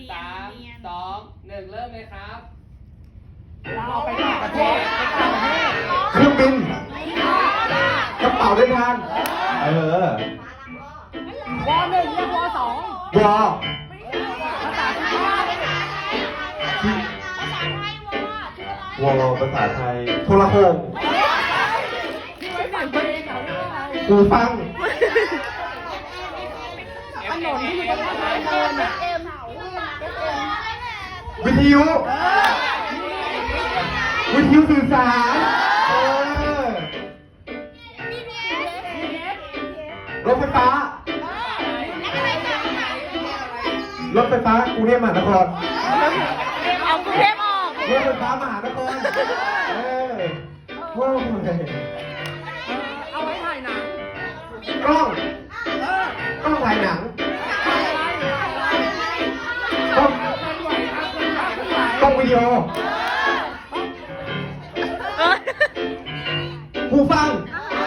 3 2 1เริ่มเลยครับเราไปต่างประเทศเครื่องบินกระเป๋าเดินทางเออวอหนึ่งเรียกวอสองวอภาษาไทยวอภาษาไทยโทรโขงที่ไว้ฝังเพลงเขาเรียกว่าอะไรหูฟังถนนที่อยู่บนทางเดินอ่ะวิทยุวิทยุสื่อสารเออรถไฟฟ้ารถไฟฟ้ากรุงเทพมหานครเอากรุงเทพออกรถไฟฟ้ามหานครเออโอ้ยเอาไว้ถ่ายหนังกล้องเออกล้องถ่ายหนังอะไรอะไรกล้องเคลื่อนไหวครับเคลื่อนไหวเคลื่อนไหวกล้องวิดีโอเออหูฟัง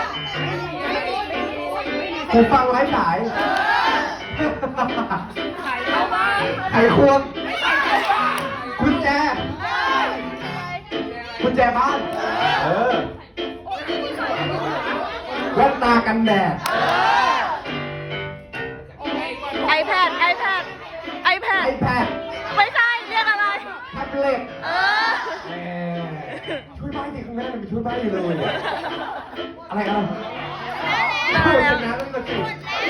หูฟังไร้สายไข่เข้าบ้านไขควงไข่เข้าบ้านกุญแจกุญแจบ้าน เออแว่นตากันแดด iPad iPad ไอ iPad แพดไม่ใช่เรียกอะไรแท็บเล็ตเออแหมช่วยใบ้ดิข้างหน้ามันมีช่วยใบ้อยู่เลย อะไรอ่ะได้ช่วยแล้ชวนะตั้งแต่สิ